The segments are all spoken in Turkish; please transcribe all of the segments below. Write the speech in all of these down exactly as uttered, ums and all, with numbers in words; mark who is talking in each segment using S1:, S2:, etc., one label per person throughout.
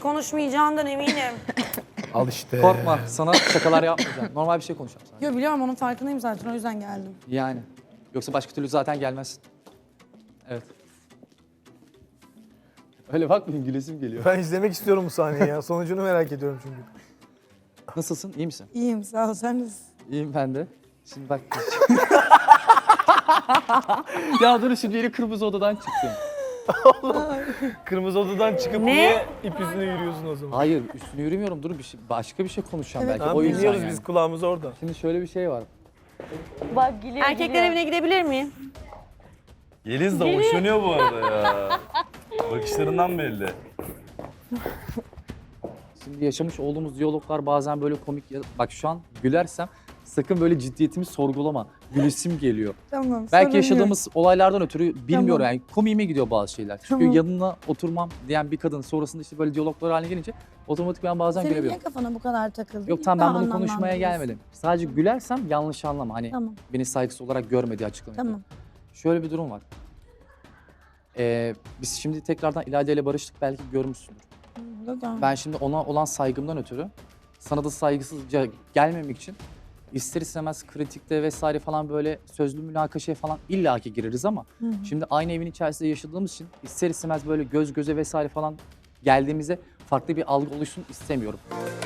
S1: konuşmayacağından eminim.
S2: Al işte.
S3: Korkma, sana şakalar yapmayacağım. Normal bir şey konuşacağım sana.
S1: Yo biliyorum onun farkındayım zaten o yüzden geldim.
S3: Yani. Yoksa başka türlü zaten gelmezsin. Evet. Öyle bakmayın, gülesim geliyor.
S2: Ben izlemek istiyorum bu sahneyi ya. Sonucunu merak ediyorum çünkü.
S3: Nasılsın, iyi misin?
S1: İyiyim sağ ol sen nasılsın?
S3: İyiyim ben de. Şimdi bak. Ya dur şimdi yeni kırmızı odadan çıktım.
S2: Kırmızı odadan çıkıp
S1: Ne?
S2: niye ip yüzüne yürüyorsun o zaman?
S3: Hayır, üstüne yürümüyorum. Dur bir şey, başka bir şey konuşacağım belki.
S2: Tamam,
S3: O yüzden
S2: dinliyoruz
S3: yani.
S2: biz kulağımız orada.
S3: Şimdi şöyle bir şey var.
S4: Bak geliyor,
S1: Erkekler
S4: geliyor.
S1: evine gidebilir miyim?
S5: Yeliz de hoşlanıyor bu arada ya. Bakışlarından belli.
S3: Şimdi yaşamış olduğumuz diyaloglar bazen böyle komik. ya- Bak şu an gülersem sakın böyle ciddiyetimi sorgulama. Gülesim geliyor.
S1: Tamam.
S3: Belki yaşadığımız olaylardan ötürü bilmiyorum
S1: Tamam.
S3: yani komiğime gidiyor bazı şeyler. Çünkü
S1: Tamam.
S3: yanına oturmam diyen bir kadın sonrasında işte böyle diyaloglar haline gelince otomatik ben bazen
S1: Senin niye
S3: gülebiliyorum.
S1: kafana bu kadar takıldı?
S3: Yok tamam ben bunu konuşmaya gelmedim. Sadece gülersem yanlış anlama. Hani
S1: Tamam
S3: beni saygısız olarak görmediği açıklamayı.
S1: tamam.
S3: Şöyle bir durum var. Ee, biz şimdi tekrardan İlayda ile barıştık belki görmüşsündür.
S1: Tamam.
S3: Ben şimdi ona olan saygımdan ötürü sana da saygısızca gelmemek için ister istemez kritikte vesaire falan böyle sözlü münakaşaya falan illaki gireriz ama
S1: Hı hı.
S3: şimdi aynı evin içerisinde yaşadığımız için ister istemez böyle göz göze vesaire falan geldiğimizde farklı bir algı oluşsun istemiyorum.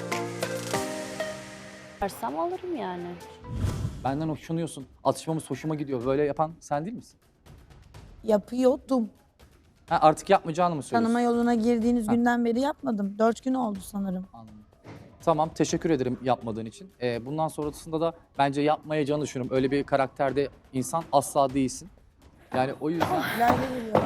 S4: Versem alırım yani.
S3: Benden hoşlanıyorsun, atışmamız hoşuma gidiyor. Böyle yapan sen değil misin?
S1: Yapıyordum.
S3: Ha, artık yapmayacağını mı söylüyorsun?
S1: Tanıma yoluna girdiğiniz
S3: Ha.
S1: günden beri yapmadım. Dört gün oldu sanırım.
S3: Anladım. Tamam, teşekkür ederim yapmadığın için. Ee, bundan sonrasında da bence yapmayacağını düşünüyorum. Öyle bir karakterde insan asla değilsin. Yani o yüzden...
S1: İleride geliyor.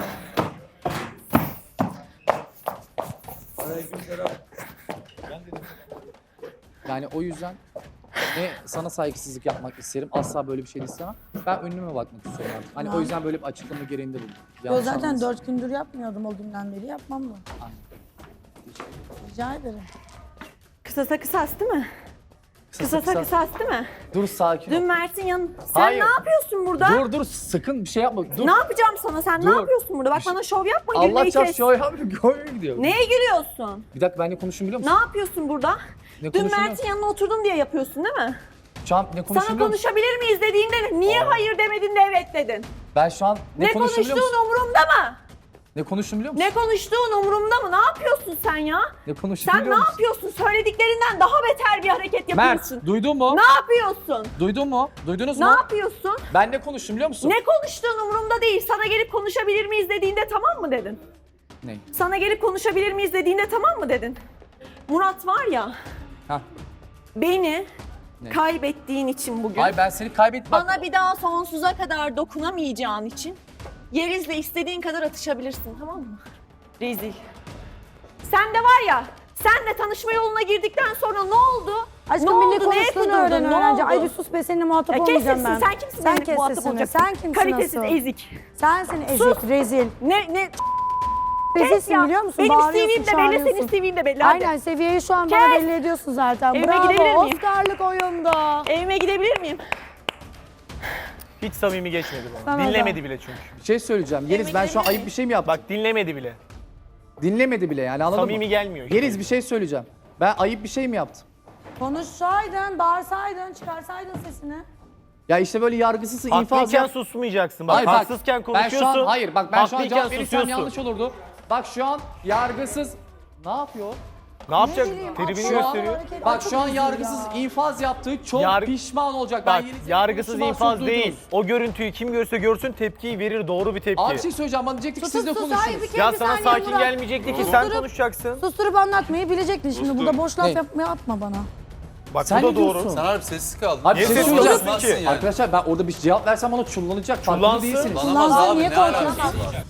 S3: Yani o yüzden ne sana saygısızlık yapmak isterim, asla böyle bir şey de istemem. Ben önüme bakmak istiyorum artık. Hani o yüzden böyle bir açıklama gereğinde bulundum.
S1: Yo
S3: Yanlış
S1: zaten
S3: anlamasın.
S1: dört gündür yapmıyordum o günden beri yapmam da.
S3: Aynen.
S1: Rica ederim.
S6: Kısasa kısas değil mi?
S3: Kısasa
S6: Kısasa
S3: kısa.
S6: kısas değil mi?
S3: Dur sakin
S6: Dün
S3: ol.
S6: Mert'in yan... Sen
S3: Hayır.
S6: ne yapıyorsun burada?
S3: Dur dur sakın bir şey yapma. Dur.
S6: Ne yapacağım sana? Sen
S3: Dur.
S6: ne yapıyorsun burada? Bak
S3: Bir şey-
S6: bana şov yapma.
S3: Allah
S6: gülmeyi
S3: çarp
S6: kes.
S3: şu abi koyuyor gidiyor.
S6: Neye gülüyorsun?
S3: Bir dakika ben ne konuşayım biliyor
S6: Ne
S3: musun?
S6: yapıyorsun burada?
S3: Ne
S6: Dün
S3: konuşayım
S6: Mert'in yanına oturdum diye yapıyorsun değil mi?
S3: Şu an ne konuşayım
S6: Sana
S3: biliyor musun?
S6: konuşabilir miyiz dediğinde niye hayır demedin de evet dedin?
S3: Ben şu an ne,
S6: Ne,
S3: konuşayım biliyor
S6: konuştuğun
S3: musun?
S6: umurumda mı?
S3: Ne konuştum biliyor musun?
S6: Ne konuştuğun umurumda mı? Ne yapıyorsun sen ya?
S3: Ne konuştum
S6: Sen ne
S3: biliyor musun?
S6: yapıyorsun? Söylediklerinden daha beter bir hareket yapıyorsun.
S3: Mert duydun mu?
S6: Ne yapıyorsun?
S3: Duydun mu? Duydunuz
S6: Ne
S3: mu?
S6: yapıyorsun?
S3: Ben ne konuştum biliyor musun?
S6: Ne konuştuğun umurumda değil. Sana gelip konuşabilir miyiz dediğinde tamam mı dedin?
S3: Ne?
S6: Sana gelip konuşabilir miyiz dediğinde tamam mı dedin? Murat var ya,
S3: Hah.
S6: beni
S3: Ne?
S6: kaybettiğin için bugün,
S3: Ay ben seni kaybettim.
S6: bana bir daha sonsuza kadar dokunamayacağın için Yeriz'le istediğin kadar atışabilirsin, tamam mı? Rezil. Sen de var ya, senle tanışma yoluna girdikten sonra ne oldu?
S1: Aşkım
S6: ne
S1: bir ne
S6: oldu? Neye
S1: konuştuğunu
S6: kudurdun?
S1: öğren
S6: Ne
S1: öğrenci.
S6: oldu?
S1: Ay bir sus be seninle muhatap
S6: Ya kes
S1: olmayacağım
S6: sesini,
S1: ben.
S6: sen kimsin
S1: Sen
S6: benimle
S1: kes
S6: muhatap
S1: sesini.
S6: olacaksın?
S1: Sen kimsin
S6: Kalitesiz,
S1: asıl?
S6: ezik.
S1: Sensin ezik, rezil.
S6: Ne, ne?
S1: Rezilsin
S6: ya.
S1: biliyor musun?
S6: Benim
S1: Bağırıyorsun,
S6: C V'm de belli, senin
S1: çağırıyorsun.
S6: C V'm de belli. Hadi.
S1: Aynen seviyeyi şu an bana
S6: Kes.
S1: belli ediyorsun zaten.
S6: Evime gidebilir
S1: Bravo,
S6: miyim?
S1: Oscar'lık oyunda.
S6: Evime gidebilir miyim?
S2: Hiç samimi geçmedi bana.
S1: Sana da.
S2: Dinlemedi bile çünkü.
S3: Bir şey söyleyeceğim. Yeliz ben şu an ayıp bir şey mi yaptım?
S2: Bak dinlemedi bile.
S3: Dinlemedi bile yani anladın
S2: Samimi
S3: mı?
S2: gelmiyor işte.
S3: Yeliz bir şey söyleyeceğim. Ben ayıp bir şey mi yaptım?
S1: Konuşsaydın, bağırsaydın, çıkarsaydın sesini.
S3: Ya işte böyle yargısız infaz
S2: Haklıyken
S3: yap.
S2: susmayacaksın. Bak
S3: Hayır, bak,
S2: haksızken
S3: Ben
S2: konuşuyorsun.
S3: şu an hayır bak ben şu an
S2: haklıyken
S3: cevap verirsem
S2: susuyorsun.
S3: yanlış olurdu. Bak şu an yargısız ne yapıyor?
S2: Ne yapacak?
S1: bileyim,
S2: Tribini
S1: aklıma
S2: gösteriyor.
S1: hareket-
S3: Bak
S1: çok
S3: şu an
S1: üzücü
S3: yargısız
S1: ya.
S3: infaz yaptığı çok
S2: Yar-
S3: pişman olacak.
S2: Bak
S3: ben Yeliz'in
S2: yargısız
S3: konuşmasını
S2: infaz
S3: çok
S2: değil.
S3: duydunuz.
S2: O görüntüyü kim görse görsün tepkiyi verir. Doğru bir tepki.
S3: Abi bir şey söyleyeceğim bana diyecektik ki siz de
S1: Sus, sus, hayır,
S3: konuştunuz.
S1: bir kere
S2: Ya
S1: bir
S2: sana
S1: saniye
S2: sakin
S1: Murat.
S2: gelmeyecekti ki
S1: Susturup-
S2: sen konuşacaksın.
S1: Susturup anlatmayı bilecektin şimdi. Burada boş laf
S3: Ne?
S1: yapmaya atma bana.
S2: Bak
S3: Sen
S2: bu da
S3: ne
S2: doğru.
S3: diyorsun?
S5: Sen harbi sessiz kaldın.
S3: Abi
S2: Niye
S3: bir şey
S2: sessiz
S3: söyleyeceğim.
S2: kalıyorsun ki?
S5: Yani.
S3: Arkadaşlar ben orada bir cevap versem bana çullanacak. Farkında
S2: Çullansın.
S3: değilsiniz.
S5: Lanamaz
S1: Kullansan
S5: abi
S1: niye
S5: ne
S1: korkuyorsun?
S5: alakası var?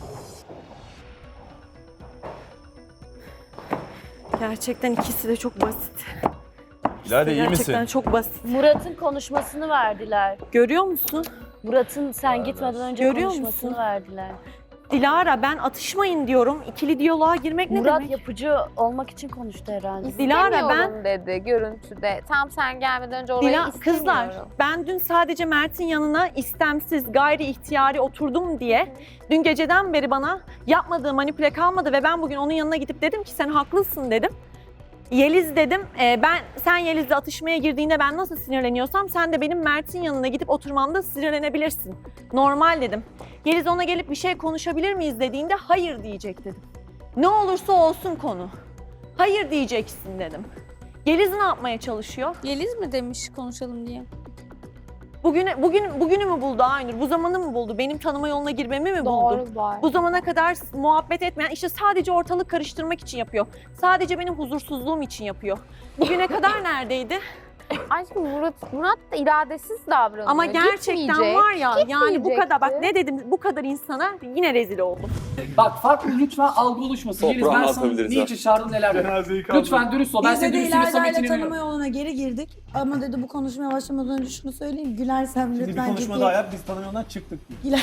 S6: Gerçekten ikisi de çok basit.
S5: İlayda iyi
S6: Gerçekten
S5: misin?
S6: çok basit.
S4: Murat'ın konuşmasını verdiler.
S6: Görüyor musun?
S4: Murat'ın sen gitmeden önce
S6: Görüyor
S4: konuşmasını
S6: musun?
S4: verdiler.
S6: Dilara ben atışmayın diyorum. İkili diyaloğa girmek ne
S4: Murat
S6: demek?
S4: yapıcı olmak için konuştu herhalde.
S6: Dilara, ben-
S7: İstemiyorum dedi görüntüde. Tam sen gelmeden önce orayı
S6: Dila,
S7: istemiyorum.
S6: kızlar ben dün sadece Mert'in yanına istemsiz gayri ihtiyari oturdum diye dün geceden beri bana yapmadığı manipüle kalmadı ve ben bugün onun yanına gidip dedim ki sen haklısın dedim. Yeliz dedim, e, ben sen Yeliz'le atışmaya girdiğinde ben nasıl sinirleniyorsam sen de benim Mert'in yanına gidip oturmamda sinirlenebilirsin. Normal dedim. Yeliz ona gelip bir şey konuşabilir miyiz dediğinde hayır diyecek dedim. Ne olursa olsun konu. Hayır diyeceksin dedim. Yeliz ne yapmaya çalışıyor?
S8: Yeliz mi demiş konuşalım diye?
S6: Bugüne, bugün, bugünü mü buldu Aynur? Bu zamanı mı buldu? Benim tanıma yoluna girmemi mi buldu?
S7: Doğru var.
S6: Bu zamana kadar muhabbet etmeyen, işte sadece ortalık karıştırmak için yapıyor. Sadece benim huzursuzluğum için yapıyor. Bugüne kadar neredeydi?
S7: Aşkım Murat, Murat da iradesiz davranıyor.
S6: Ama gerçekten
S7: Gitmeyecek.
S6: var ya, yani bu kadar, bak
S7: Gitmeyecekti.
S6: ne dedim, bu kadar insana yine rezil oldum.
S3: Bak farklı lütfen algı oluşmasın. Yeliz ben sana niçin çağırdım neler dedim. Lütfen dürüst ol. Ben
S1: Biz de
S3: senin
S1: de
S3: dürüstlüğüne
S1: İlayda ile
S3: samimiyetine
S1: tanıma
S3: inanıyorum.
S1: yoluna geri girdik. Ama dedi bu konuşmaya başlamadan önce şunu söyleyeyim. Gülersem
S2: Şimdi bir
S1: lütfen
S2: konuşma
S1: ciddi-
S2: daha yap, biz tanımıyordan çıktık.
S1: Güler...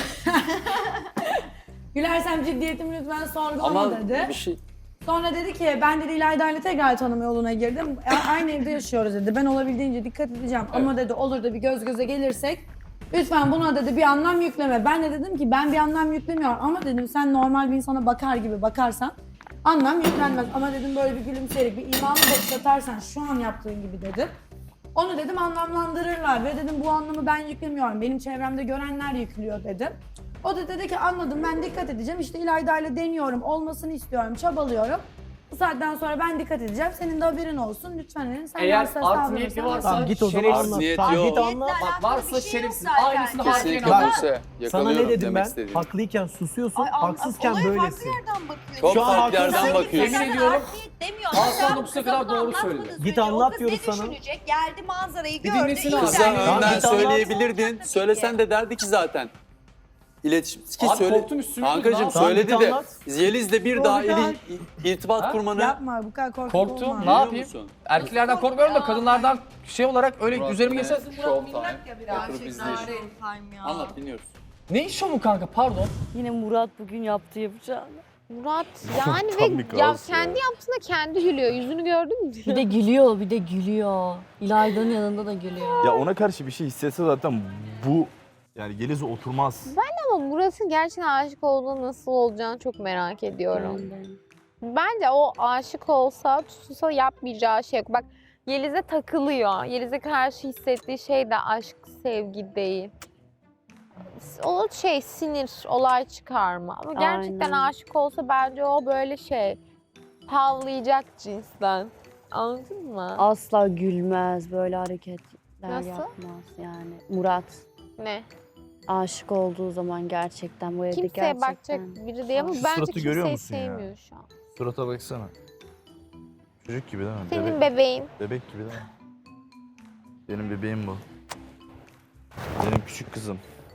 S1: Gülersem ciddiyetimi lütfen sorgulama
S9: Ama
S1: dedi.
S9: bir şey
S1: Sonra dedi ki ben dedi İlayda ile tekrar tanıma yoluna girdim. A- Aynı evde yaşıyoruz dedi. Ben olabildiğince dikkat edeceğim. Ama dedi olur da bir göz göze gelirsek lütfen buna dedi bir anlam yükleme. Ben de dedim ki ben bir anlam yüklemiyorum ama dedim sen normal bir insana bakar gibi bakarsan anlam yüklenmez. Ama dedim böyle bir gülümseyerek bir imanlı bakış atarsan şu an yaptığın gibi dedim. Onu dedim anlamlandırırlar ve dedim bu anlamı ben yüklemiyorum. Benim çevremde görenler yüklüyor dedim. O da dedi ki anladım ben dikkat edeceğim. İşte İlayda ile deniyorum, olmasını istiyorum, çabalıyorum. Bu saatten sonra ben dikkat edeceğim. Senin de haberin olsun. Lütfen dedim. Sen
S3: Eğer
S1: hassas
S3: art niyeti
S1: davranırsan-
S3: varsa
S2: Tamam git o zaman
S3: şerefsiz.
S2: anlat.
S9: Niyet
S2: Tamam
S9: yok.
S2: git anlat.
S3: Bak varsa şerefsiz. Aynısını
S9: kesinlikle
S3: harfiyen al.
S9: Buse.
S2: Sana
S9: Yakalıyorum
S2: ne dedim
S9: demek
S2: ben?
S9: istediğini.
S2: Haklıyken susuyorsun,
S10: Ay, an-
S2: haksızken
S10: olaya
S2: böylesin.
S10: farklı yerden bakıyorsun.
S9: Çok
S2: Şu an
S9: farklı yerden
S2: haklısın.
S9: bakıyorsun.
S3: Yemin ediyorum.
S10: Demiyor.
S3: Aslan
S10: Sen
S3: dokuza
S10: kıza
S3: kadar
S10: bunu
S3: doğru
S10: anlatmadığını
S3: söyledi.
S10: söylüyor.
S2: Git anlat
S10: O kız
S2: diyoruz
S10: ne
S2: sana.
S10: düşünecek? Geldi manzarayı
S3: Bir
S10: gördü.
S3: dinlesin
S10: iyi
S3: abi.
S9: Kıza
S10: derdi.
S2: Tamam,
S9: önden
S2: git anlat.
S9: söyleyebilirdin. Söylesen de derdi ki zaten. İletişim ki
S3: Abi
S9: söyle.
S3: korktum üstüme.
S9: Kankacığım
S3: Tamam,
S9: söyledi
S2: git
S9: de
S2: anlat.
S9: Yeliz'le bir daha ili, irtibat
S3: Ha?
S9: kurmanı
S1: Yapma bu kadar korkak
S3: Korktum.
S1: olma.
S3: Ne
S9: biliyor
S3: yapayım?
S9: musun?
S3: Erkeklerden korkmuyorum da kadınlardan şey olarak öyle üzerime geçse.
S9: Oturup izleyelim. Anlat dinliyoruz.
S3: Ne iş o mu kanka pardon?
S4: Yine Murat bugün yaptı yapacağını.
S7: Murat yani ve ya kendi yaptığında kendi gülüyor. Yüzünü gördün mü?
S4: Bir de gülüyor, bir de gülüyor. İlayda'nın yanında da gülüyor.
S11: Ya ona karşı bir şey hissetse zaten bu yani Yeliz'e oturmaz.
S7: Ama Murat'ın gerçekten aşık olduğu nasıl olacağını çok merak ediyorum. Bence o aşık olsa, tutulsa yapmayacağı şey yok. Bak Yeliz'e takılıyor. Yeliz'e karşı hissettiği şey de aşk, sevgi değil. O şey sinir, olay çıkarma. Ama gerçekten
S4: Aynen.
S7: aşık olsa bence o böyle şey havlayacak cinsten. Anladın mı?
S4: Asla gülmez, böyle hareketler
S7: Nasıl?
S4: yapmaz yani. Murat
S7: Ne?
S4: aşık olduğu zaman gerçekten bu evde
S7: Kimseye
S4: gerçekten.
S7: bakacak biri değil ama
S11: Şu
S7: bence
S11: suratı görüyor
S7: kimseyi
S11: musun ya?
S7: sevmiyor şu an.
S11: Surata baksana. Çocuk gibi değil mi?
S7: Senin
S11: Bebek,
S7: bebeğin.
S11: bebek gibi değil mi? Benim bebeğim bu. Benim küçük kızım.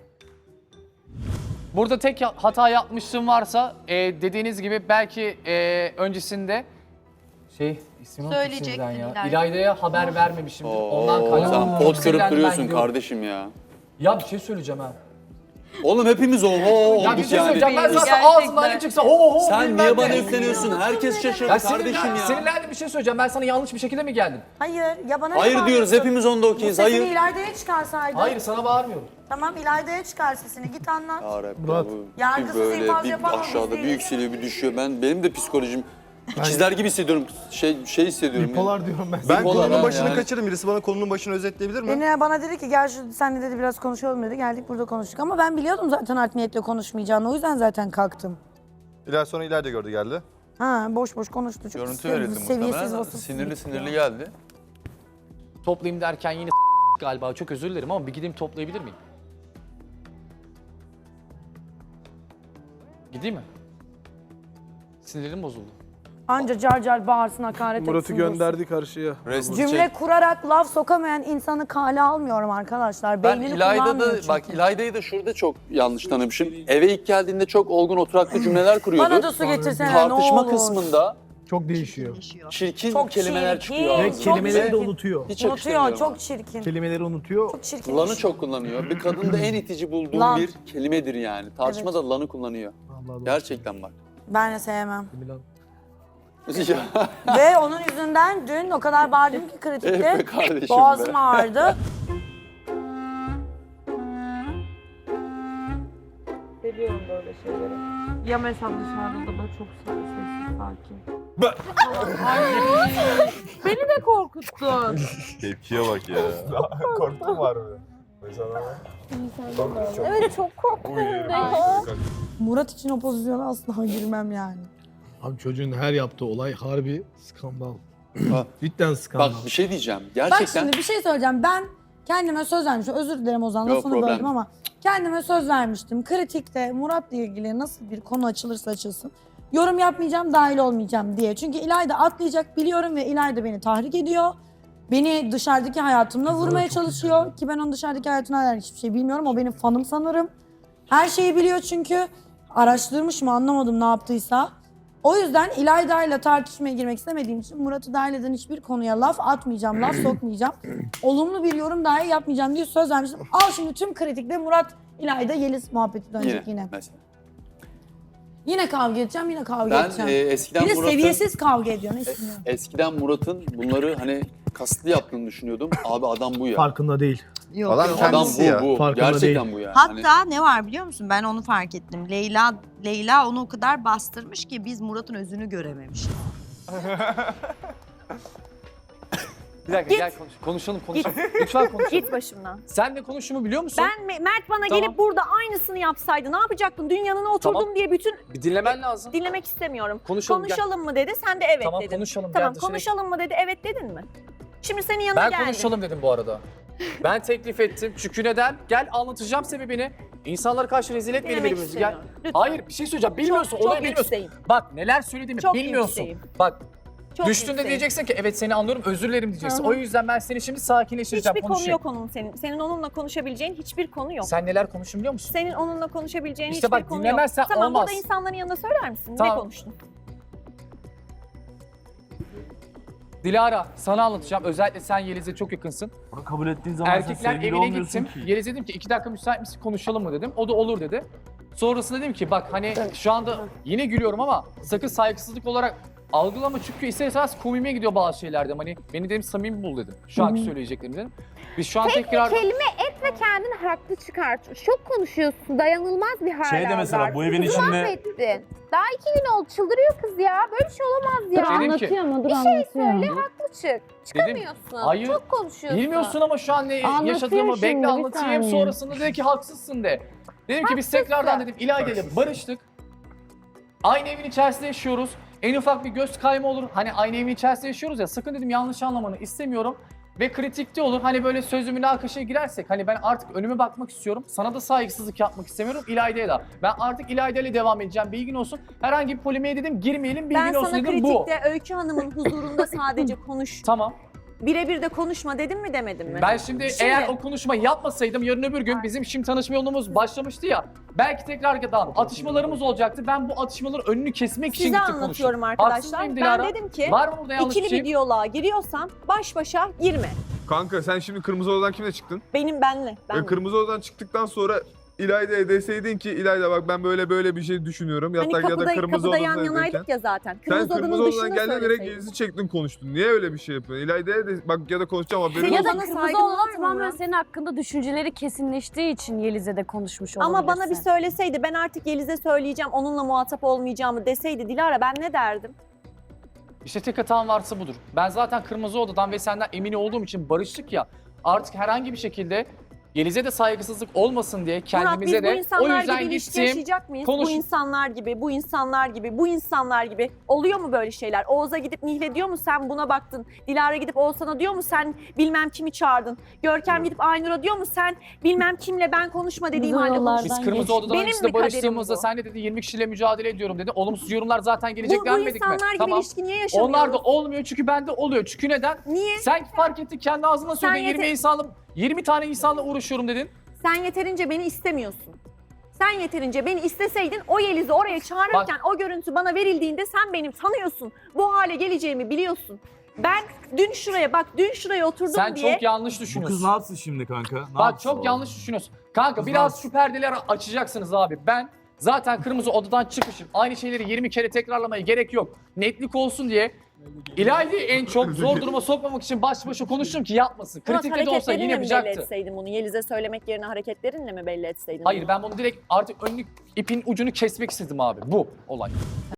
S3: Burada tek ya- hata yapmışlığım varsa e, dediğiniz gibi belki e, öncesinde şey ismini unuttum
S10: Söyleyecektin
S3: şimdiden ya.
S10: İlayda.
S3: İlayda'ya haber vermemişim. Ondan
S9: Oo,
S3: kaynaklı.
S9: sen pot kırıp
S3: Sinirlendim, ben
S9: duruyorsun
S3: gidiyorum.
S9: kardeşim ya.
S3: Ya bir şey söyleyeceğim ha.
S9: Oğlum hepimiz oho
S3: Ya bir
S9: olduk
S3: şey
S9: yani.
S3: söyleyeceğim ben zaten
S6: Gerçekten.
S3: ağzımdan ne çıksa ho ho ho.
S9: Sen
S3: bilmem
S9: niye bana
S3: ne.
S9: yükleniyorsun? Herkes şaşırdı
S3: Ya
S9: kardeşim
S3: sinirlendim,
S9: ya.
S3: sinirlendim bir şey söyleyeceğim. Ben sana yanlış bir şekilde mi geldim?
S1: Hayır ya bana ne
S9: Hayır diyoruz
S1: bağırıyorsun?
S9: hepimiz onda
S1: Bu
S9: okeyiz.
S1: sesini
S9: Hayır.
S1: İlayda'ya çıkarsaydın.
S3: Hayır sana bağırmıyorum.
S1: Tamam İlayda'ya çıkar sesini git anlat.
S9: Ya Rabbi,
S2: Murat.
S9: bu
S1: Yargısız
S9: bir böyle
S1: infaz
S9: bir
S1: yapamam,
S9: aşağıda
S1: biz
S9: bir
S1: değil.
S9: yükseliyor bir düşüyor. Ben benim de psikolojim ikizler gibi hissediyorum. Şey şey hissediyorum.
S2: Bipolar diyorum ben.
S5: Ben
S9: Bipolar
S5: konunun
S9: ha,
S5: başını
S9: yani.
S5: kaçırdım. Birisi bana konunun başını özetleyebilir mi?
S1: Beni bana dedi ki gel şu senle dedi biraz konuşalım dedi. Geldik burada konuştuk ama ben biliyordum zaten art niyetle konuşmayacağını. O yüzden zaten kalktım.
S5: İler sonra ileride gördü geldi.
S1: Ha boş boş konuştu. Çok
S9: Görüntü
S1: sevimli,
S9: verildi
S1: seviyesiz,
S9: muhtemelen.
S1: vasıfsız
S9: Sinirli
S1: bir tip
S9: sinirli
S1: ya.
S9: geldi.
S3: Toplayayım derken yine galiba çok özür dilerim ama bir gideyim toplayabilir miyim? Gideyim mi? Sinirim bozuldu.
S1: Anca car car bağırsın hakaret
S5: Murat'ı
S1: etsin.
S5: gönderdi karşıya.
S9: Rest
S1: Cümle
S9: çek.
S1: kurarak laf sokamayan insanı kale almıyorum arkadaşlar.
S9: Ben
S1: Beynini
S9: İlayda'da
S1: kullanmıyor
S9: da
S1: çünkü.
S9: bak İlayda'yı da şurada çok yanlış tanımışım. Eve ilk geldiğinde çok olgun oturaklı cümleler kuruyordu.
S1: Bana da su getirsene ne
S9: Tartışma
S1: olur.
S9: kısmında
S2: Çok değişiyor.
S9: çirkin
S1: Çok
S9: kelimeler
S1: çirkin.
S9: çıkıyor
S2: Ve
S9: ağzından.
S2: kelimeleri de
S9: Ve
S2: unutuyor.
S9: hiç
S1: Unutuyor
S9: yakıştırmıyorum
S1: çok
S9: ona.
S1: çirkin.
S2: Kelimeleri unutuyor.
S1: Çok çirkin.
S9: Lan'ı çok kullanıyor. Bir kadında en itici bulduğum
S1: Lan.
S9: bir kelimedir yani. Tartışmada lan'ı kullanıyor.
S2: Allah Allah.
S9: Gerçekten bak.
S1: Ben de sevmem.
S2: Milan.
S9: Ya,
S1: Ve onun yüzünden dün o kadar bağırdım ki
S9: eh be
S1: kritikte.
S9: kardeşim
S1: Boğazım
S9: be.
S1: ağrıdı.
S4: Seviyorum böyle şeyleri. Ya mesela dışarıda da çok sessiz sakin. Beni de korkuttun.
S5: Tepkiye bak ya.
S11: Korktum var mı? Mesela
S4: Evet çok korktum.
S1: Murat için o pozisyona asla girmem yani.
S2: Abi çocuğun her yaptığı olay harbi skandal.
S9: Ha.
S2: Cidden skandal.
S9: Bak bir şey diyeceğim.
S1: Bak
S9: Gerçekten
S1: şimdi bir şey söyleyeceğim. Ben kendime söz vermiştim. Özür dilerim Ozan,
S9: Yok,
S1: lafını
S9: problem.
S1: böldüm ama kendime söz vermiştim. Kritikte Murat'la ilgili nasıl bir konu açılırsa açılsın yorum yapmayacağım, dahil olmayacağım diye. Çünkü İlayda atlayacak biliyorum ve İlayda beni tahrik ediyor. Beni dışarıdaki hayatımla
S2: Kızlar
S1: vurmaya
S2: çok
S1: çalışıyor.
S2: güzel.
S1: Ki ben onun dışarıdaki hayatına dair hiçbir şey bilmiyorum. O benim fanım sanırım. Her şeyi biliyor çünkü. Araştırmış mı anlamadım ne yaptıysa. O yüzden İlayda ile tartışmaya girmek istemediğim için Murat'ı dahil eden hiçbir konuya laf atmayacağım, laf sokmayacağım. Olumlu bir yorum dahi yapmayacağım diye söz vermiştim. Al şimdi tüm kritikte Murat, İlayda, Yeliz muhabbeti dönecek
S9: yine.
S1: yine.
S9: Mesela.
S1: Yine kavga edeceğim, yine kavga
S9: Ben
S1: edeceğim.
S9: e, eskiden
S1: bir de
S9: Murat'ın
S1: seviyesiz kavga ediyor, ne istiyorsun?
S9: eskiden Murat'ın bunları hani kasıtlı yaptığını düşünüyordum. Abi adam bu ya.
S2: Farkında değil.
S10: Yok,
S11: Adam
S10: yok.
S9: Adam
S11: kendisi
S9: bu
S11: ya.
S9: bu.
S2: Farkında
S9: Gerçekten
S2: değil.
S9: bu ya.
S10: Hatta
S9: Hani-
S10: ne var biliyor musun? Ben onu fark ettim. Leyla Leyla onu o kadar bastırmış ki biz Murat'ın özünü görememişiz.
S3: Bir dakika
S6: Git.
S3: gel konuş. Konuşalım konuşalım. Lütfen konuşalım.
S6: Git başımdan.
S3: Sen ne konuştuğumu biliyor musun?
S6: Ben Me- Mert bana
S3: Tamam.
S6: gelip burada aynısını yapsaydı ne yapacaktın? Dün yanına oturdum
S3: Tamam.
S6: diye bütün
S3: Bir dinlemen lazım.
S6: dinlemek istemiyorum.
S3: Konuşalım,
S6: Konuşalım mı dedi, sen de evet
S3: Tamam
S6: dedin.
S3: konuşalım.
S6: Tamam
S3: gel dışarı-
S6: konuşalım mı dedi, evet dedin mi? Şimdi senin yanına
S3: Ben
S6: geldim.
S3: konuşalım dedim bu arada. Ben teklif ettim. Çünkü neden? Gel anlatacağım sebebini. İnsanlara karşı rezil etmeyelim
S6: Dinlemek
S3: birbirimizi. Gel.
S6: istemiyorum. Lütfen.
S3: Hayır bir şey söyleyeceğim. Bilmiyorsun.
S6: Çok,
S3: olayı
S6: çok
S3: bilmiyorsun.
S6: yükseğim.
S3: Bak neler söylediğimi
S6: Çok
S3: bilmiyorsun.
S6: yükseğim.
S3: Bak
S6: Çok
S3: düştüğünde
S6: yükseğim.
S3: diyeceksin ki evet seni anlıyorum özür dilerim diyeceksin.
S6: Hı hı.
S3: O yüzden ben seni şimdi sakinleştireceğim.
S6: Hiçbir konu
S3: konuşayım.
S6: yok onun senin. Senin onunla konuşabileceğin hiçbir konu yok.
S3: Sen neler konuşun biliyor musun?
S6: Senin onunla konuşabileceğin
S3: İşte
S6: hiçbir
S3: bak,
S6: konu yok.
S3: dinlemezsen
S6: Tamam
S3: olmaz.
S6: burada insanların yanında söyler misin?
S3: Tamam.
S6: Ne konuştun?
S3: Dilara sana anlatacağım. Özellikle sen Yeliz'e çok yakınsın.
S5: Bunu kabul ettiğin zaman sen
S3: Erkekler
S5: sevgili
S3: evine
S5: olmuyorsun
S3: gittim.
S5: ki.
S3: Yeliz dedim ki iki dakika müsait misin konuşalım mı dedim. O da olur dedi. Sonrasında dedim ki bak hani şu anda yine gülüyorum ama sakın saygısızlık olarak algılama çünkü ister istemez komiğime gidiyor bazı şeyler dedim. Hani beni dedim samimi bul dedim. Şu anki söyleyeceklerimi dedim. Biz şu an tekrar...
S7: Kelime et ve kendini haklı çıkart. Çok konuşuyorsun. Dayanılmaz bir hal
S5: Şey de mesela bu evin içinde
S7: Mahvettin. Daha iki gün oldu. Çıldırıyor kız ya. Böyle bir şey olamaz ya.
S3: Dedim ki,
S4: Anlatıyor mu? Dur
S7: Bir şey
S4: anlatıyor.
S7: söyle haklı çık. Çıkamıyorsun.
S3: hayır,
S7: Çok konuşuyorsun.
S3: bilmiyorsun ama şu an ne
S4: Anlatıyor
S3: yaşadığımı
S4: şimdi,
S3: bekle
S4: bir
S3: anlatayım.
S4: saniye.
S3: Sonrasında dedi ki haksızsın de. Dedim ki biz tekrardan dedim İlayda ile barıştık. Aynı evin içerisinde yaşıyoruz. En ufak bir göz kayma olur. Hani aynı evin içerisinde yaşıyoruz ya sakın dedim yanlış anlamanı istemiyorum. Ve kritikte olur. Hani böyle sözlü münakaşaya girersek hani ben artık önüme bakmak istiyorum. Sana da saygısızlık yapmak istemiyorum İlayda'ya da. Ben artık İlayda ile devam edeceğim. Bilgin olsun. Herhangi bir polemiğe dedim girmeyelim bilgin
S6: Ben
S3: olsun
S6: sana
S3: dedim bu.
S6: kritikte Öykü Hanım'ın huzurunda sadece konuş.
S3: Tamam.
S6: Birebir de konuşma dedim mi demedim mi?
S3: Ben şimdi,
S6: Şimdi-
S3: eğer o konuşmayı yapmasaydım yarın öbür gün bizim şimdi tanışma yolumuz başlamıştı ya. Belki tekrar daha atışmalarımız olacaktı. Ben bu atışmaların önünü kesmek için
S6: Size
S3: gittim konuştum.
S6: anlatıyorum
S3: Haksız
S6: arkadaşlar.
S3: mıyım
S6: Ben
S3: Dilara?
S6: dedim ki
S3: Var mı burada yanlış bir
S6: ikili
S3: şey?
S6: bir diyaloğa giriyorsan baş başa girme.
S11: Kanka sen şimdi Kırmızı Odadan kimle çıktın?
S6: Benim benle.
S11: Ve
S6: benle.
S11: Kırmızı Odadan çıktıktan sonra İlayda'ya deseydin ki İlayda bak ben böyle böyle bir şey düşünüyorum.
S6: Hani
S11: Yatak ya
S6: kapıda,
S11: da Kırmızı
S6: kapıda yan
S11: Oda'dayken.
S6: yanaydık ya zaten.
S11: Sen
S6: Kırmızı
S11: Kırmızı
S6: odanın
S11: Odadan
S6: dışında
S11: geldin direkt
S6: söyleseydin.
S11: Yeliz'i çektin konuştun. Niye öyle bir şey yapıyorsun? İlayda'ya de bak ya da konuşacağım haberin
S6: Ya
S11: olsun.
S6: da
S4: Bana
S6: saygın
S4: kırmızı
S6: var
S4: olan
S6: mı
S4: tamamen
S6: Murat?
S4: senin hakkında düşünceleri kesinleştiği için Yeliz'e de konuşmuş olabilirsin.
S6: Ama bana bir söyleseydi ben artık Yeliz'e söyleyeceğim onunla muhatap olmayacağımı deseydi Dilara ben ne derdim?
S3: İşte tek hatam varsa budur. Ben zaten Kırmızı Oda'dan ve senden emin olduğum için barıştık ya. Artık herhangi bir şekilde Yeliz'e de saygısızlık olmasın diye kendimize
S6: Murat biz bu
S3: de o
S6: insanlar
S3: yüzden
S6: gibi ilişki
S3: gittim.
S6: yaşayacak mıyız?
S3: konuş-
S6: Bu insanlar gibi, bu insanlar gibi, bu insanlar gibi. Oluyor mu böyle şeyler? Oğuz'a gidip Nihle diyor mu sen buna baktın? Dilara gidip Oğuzhan'a diyor mu sen bilmem kimi çağırdın? Görkem gidip Aynur'a diyor mu sen bilmem kimle ben konuşma dediğim
S4: Güzel
S6: halde
S4: yollardan
S6: konuştun?
S3: Biz Kırmızı
S4: geç.
S3: Oda'dan
S6: Benim mi
S3: işte
S6: kaderim
S3: barıştığımızda
S6: bu?
S3: sen de dedi yirmi kişiyle mücadele ediyorum dedi. Olumsuz yorumlar zaten gelecek
S6: Bu, bu
S3: denmedik mi?
S6: insanlar gibi
S3: Tamam.
S6: ilişki niye yaşamıyoruz?
S3: Onlar da olmuyor çünkü bende oluyor. Çünkü neden?
S6: Niye?
S3: Sen fark ettin kendi ağzına söyledin
S6: yeter-
S3: yirmi insanla yirmi tane insanla uğraşıyorum dedin.
S6: Sen yeterince beni istemiyorsun. Sen yeterince beni isteseydin o Yeliz'i oraya çağırırken o görüntü bana verildiğinde sen benim tanıyorsun. Bu hale geleceğimi biliyorsun. Ben dün şuraya bak dün şuraya oturdum
S3: Sen
S6: diye
S3: çok yanlış
S5: Bu
S3: düşünüyorsun.
S5: kız ne yapsın şimdi kanka? Ne
S3: Bak
S5: yapsın
S3: çok
S5: oğlum?
S3: yanlış düşünüyorsun. Kanka
S5: Kız
S3: biraz
S5: nasıl?
S3: şu perdeleri açacaksınız abi. Ben Zaten kırmızı odadan çıkışım. Aynı şeyleri yirmi kere tekrarlamaya gerek yok. Netlik olsun diye İlayda'yı en çok zor duruma sokmamak için baş başa konuştum ki yapmasın.
S6: Murat,
S3: Kritikte de olsa yine
S6: hareketlerinle mi belli
S3: yapacaktı.
S6: etseydin bunu? Yeliz'e söylemek yerine hareketlerinle mi belli etseydin?
S3: Hayır
S6: bunu?
S3: ben bunu direkt artık önlük ipin ucunu kesmek istedim abi. Bu olay.